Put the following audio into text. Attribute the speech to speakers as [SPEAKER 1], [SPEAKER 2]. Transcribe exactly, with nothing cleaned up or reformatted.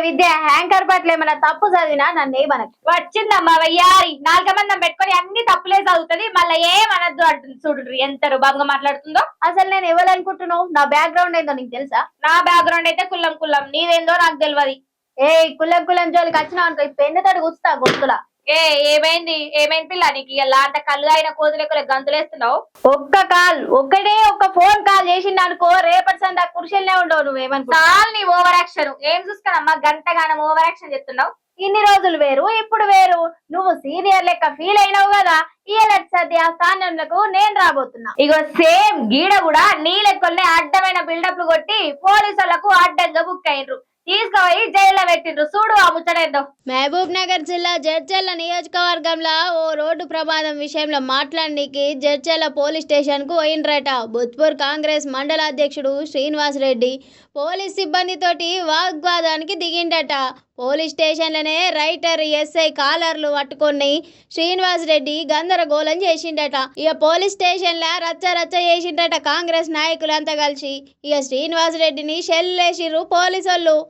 [SPEAKER 1] విద్య హ్యాంకర్ పట్ల ఏమైనా తప్పు చదివినా నన్ను ఏమనకు.
[SPEAKER 2] వచ్చిందమ్మా వయ్యారి నాలుగు మందం పెట్టుకొని అన్ని తప్పులే చదువుతుంది మళ్ళీ ఏమనద్దు అంటుంది. చూడు ఎంత రుబాబుగా మాట్లాడుతుందో.
[SPEAKER 1] అసలు నేను ఇవ్వాలనుకుంటున్నావు, నా బ్యాక్గ్రౌండ్ ఏందో నీకు తెలుసా?
[SPEAKER 2] నా బ్యాక్గ్రౌండ్ అయితే కుల్లం కుల్లం, నీదేందో నాకు తెలియదు.
[SPEAKER 1] ఏ కుల్లం కుల్లం జోలికి వచ్చినావు అనుకో పెన్నుతోటి గుస్తా గొంతులా.
[SPEAKER 2] ఏ ఏమైంది ఏమైంది పిల్ల నీకు ఇలా అంత కళ్ళు అయిన కోతులెక్కలే గంతులేస్తున్నావు?
[SPEAKER 1] ఒక్క కాల్ ఒక్కడే ఒక్క ఫోన్ కాల్ చేసిండు అనుకో రేపటి సందా కుర్చీలనే ఉండవు. నువ్వేమనుకో
[SPEAKER 2] చాలు నీ ఓవర్ యాక్షన్. ఏం చూసుకున్నమ్మా గంటగానం ఓవర్ యాక్షన్ చెప్తున్నావు?
[SPEAKER 1] ఇన్ని రోజులు వేరు ఇప్పుడు వేరు. నువ్వు సీనియర్ లెక్క ఫీల్ అయినావు కదా, ఇయలట్ సత్య స్థానంలో నేను రాబోతున్నా.
[SPEAKER 2] ఇగో సేమ్ గీడ కూడా నీ లెక్కల్ని అడ్డమైన బిల్డప్లు కొట్టి పోలీసులకు అడ్డంగా బుక్ అయినరు, తీసుకుపోయి జైల్లో పెట్టిండ్రు. చూడు ఆ ముచ్చటేద్దాం.
[SPEAKER 3] మహబూబ్ నగర్ జిల్లా జడ్చర్ల నియోజకవర్గంలో ఓ రోడ్డు ప్రమాదం విషయంలో మాట్లాడడానికి జడ్చర్ల పోలీస్ స్టేషన్ కు పోయిండ్రట. బుత్పూర్ కాంగ్రెస్ మండల అధ్యక్షుడు శ్రీనివాస్ రెడ్డి పోలీస్ సిబ్బందితోటి వాగ్వాదానికి దిగిండట. పోలీస్ స్టేషన్లనే రైటర్ ఎస్ఐ కాలర్లు పట్టుకొని శ్రీనివాస్ రెడ్డి గందరగోళం చేసిండట. ఇక పోలీస్ స్టేషన్ల రచ్చ రచ్చ చేసిండట కాంగ్రెస్ నాయకులంతా కలిసి. ఇక శ్రీనివాస్ రెడ్డిని షెల్లేసిర్రు పోలీసోళ్ళు.